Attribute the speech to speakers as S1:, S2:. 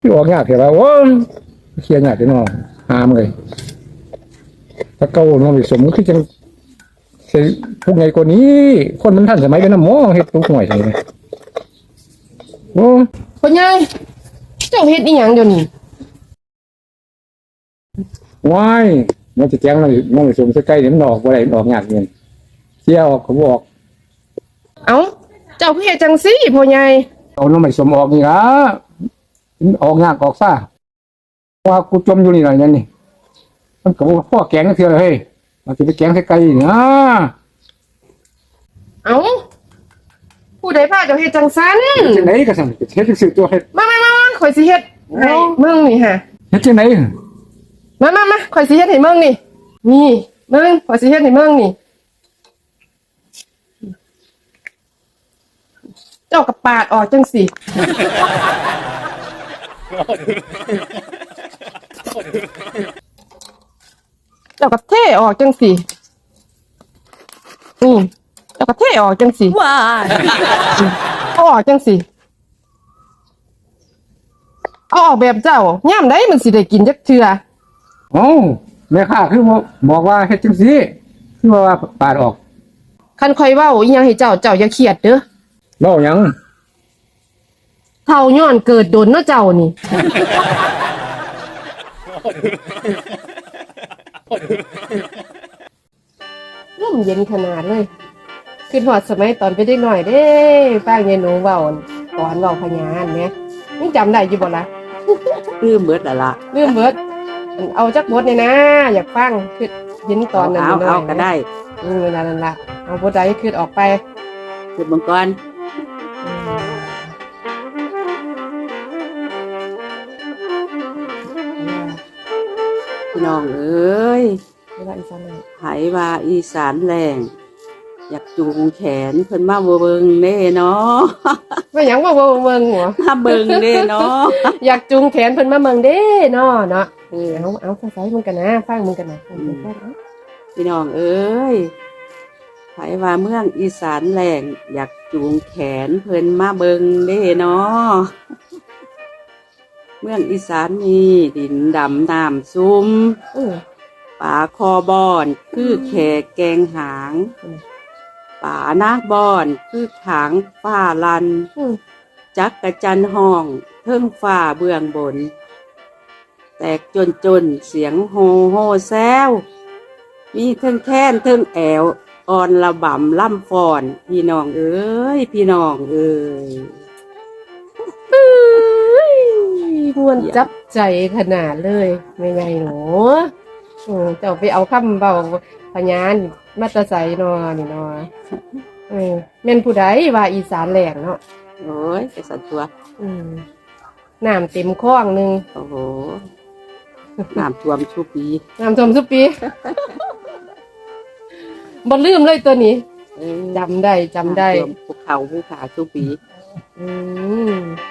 S1: ที่ออกยากเหรอโอ้ยเคลียร์ยากจังเนาะหามเลยถ้าเก่าน้องไปสมก็คือจังใช่พวกไงกว่านี้ คนมันทันสมัยเป็นน้ำหมอเฮ็ดทุกหน่วยใช่ไหมโอ้
S2: พ่อใหญ่เจ้าเฮ็ดอีหยังเดี๋ยวนี้
S1: ว้ายมันจะแจ้งน้องไปสมใกล้ๆเดี๋ยวมันออกบ่ได้มันออกยากเงินเสียออกเขาบอก
S2: เอ้าเจ้าคือเฮ็ดจังซี่พ่อใหญ่
S1: เอาน้องไปสมออกนี่ละมันออกยากออกซ่าว่ากูจมอยู่นี่หน่อยนั่นนี่มันก็บ่พ่อแกงเทื่อเฮ้ยมันจะไปแกงใกล้ๆนี่นะ
S2: เอ้าผู้ใดพาเจ้าเฮ็ดจังซั่น
S1: จังไหนก็สั่งเฮ็ดสิตัวเฮ็ด
S2: มาข่อยสิเฮ็ดให้มึงนี่ฮะ
S1: เฮ็ดจังไหน
S2: มาข่อยสิเฮ็ดให้มึงนี่นี่มึงข่อยสิเฮ็ดให้มึงนี่เจ้าก็ปาดออกจังสิเจ้าก็เทออกจังสินี่เจ้าก็เทออกจังสิ
S3: ว้าย
S2: เอาออกจังสิเอาออกแบบเจ้าย่ามได้มันสิได้กินจักเทื่อ
S1: เอ้าแม่ค้าคือบอกว่าเฮ็ดจังซี่คือว่าปาดออก
S2: คันข่อยเว้าอีหยังให้เจ้าอย่าเครียดเด้อ
S1: เว้าหยัง
S2: เฒ่าย้อนเกิดโดนเนาะเจ้านี่ลมเย็นขนาดเลยคือฮอดสมัยตอนไปเด็กน้อยเด้ฟังยายหนูเว้าตอนเว้าพญานแหมยังจำได้อยู่บ่ล่ะ
S3: ลืมเบิดแล้วล่ะ
S2: ลืมเบิดเอาจักบทนี่นะ อยากฟังคือเห็นตอนนั้น
S3: เอา
S2: น้อยๆ
S3: ก็ได้
S2: นั่นล่ะเอาบทใดคือออกไป
S3: จุดมังกรพี่น้องเอ้ย
S2: เวลาอีสานเลย
S3: ไหว่าอีสานแรงอยากจูงแขนเพิ่นมาบ่เบิ่งเด้เนาะ
S2: ว่าหยังว่าเมืองหัว
S3: มาเบิ่งเด้เนาะ
S2: อยากจูงแขนเพิ่นมาเมืองเด้เนาะเอาภาษามึงกันนะฟังมึงกันนะฟังมึงกันนะ
S3: พี่น้องเอ้ยไหว่าเมืองอีสานแรงอยากจูงแขนเพิ่นมาเบิ่งเด้เนาะเมืองอีสานมีดินดำน้ำซุ่ม
S2: เออ
S3: ป่าคอบอนคือแขกแกงหางป่านาบอนคือขางฟ้าลัน
S2: อืม
S3: จักกระจันห้องเทิงฟ้าเบื้องบน แตกจนเสียงโฮโฮแซวมีเทิงแค้นเทิงแอวอ่อนระบำล่ำฟอน พี่น้องเอ้ยพี่น้องเอ้ย
S2: ม่วนจับใจขนาดเลยไม่ไงหนูเจ้าไปเอาคำเบาพญานมาแตะใสนอนี่นอแม่นผู้ใดว่าอีสานแหลงเนาะ
S3: โอ้ยไปสันตัว
S2: น้ำเต็มคลองหนึง
S3: โอ้โหน้ำท่วมชุปี
S2: น้ำท่วมสุปี บ่ลืมเลยตัวนี้
S3: เออ
S2: จำได้
S3: น้ำท่วมภูเขาภูขาชุปี
S2: อืม